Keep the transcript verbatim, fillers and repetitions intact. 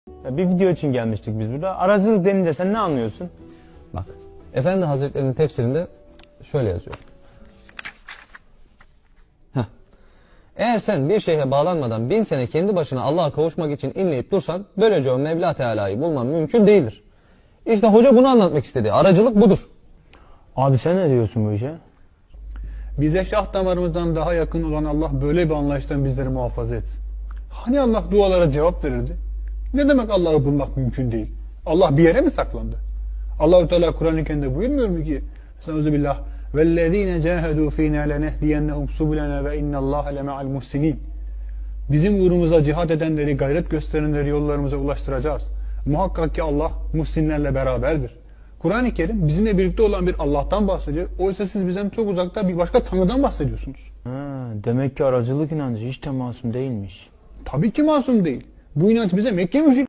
Ya bir video için gelmiştik biz burada. Aracılık denince sen ne anlıyorsun? Bak, Efendi Hazretleri'nin tefsirinde şöyle yazıyor. Heh. Eğer sen bir şeyhe bağlanmadan bin sene kendi başına Allah'a kavuşmak için inleyip dursan, böylece o Mevla Teala'yı bulman mümkün değildir. İşte hoca bunu anlatmak istedi. Aracılık budur. Abi sen ne diyorsun bu işe? Bize şah damarımızdan daha yakın olan Allah böyle bir anlayıştan bizleri muhafaza etsin. Hani Allah dualara cevap verirdi? Ne demek Allah'ı bulmak mümkün değil? Allah bir yere mi saklandı? Allah-u Teala Kur'an-ı Kerim'de buyurmuyor mu ki? Estağfirullah. وَالَّذ۪ينَ جَاهَدُوا ف۪ينَا لَنَهْدِيَنَّهُمْ سُبُلَنَا وَاِنَّ اللّٰهَ لَمَعَ الْمُحْسِنِينَ. Bizim uğrumuza cihat edenleri, gayret gösterenleri yollarımıza ulaştıracağız. Muhakkak ki Allah muhsinlerle beraberdir. Kur'an-ı Kerim bizimle birlikte olan bir Allah'tan bahsediyor. Oysa siz bizden çok uzakta bir başka Tanrı'dan bahsediyorsunuz. Ha, demek ki aracılık inancı hiç de masum değilmiş. Tabii ki masum değil. Bu inanç bize Mekke müşrik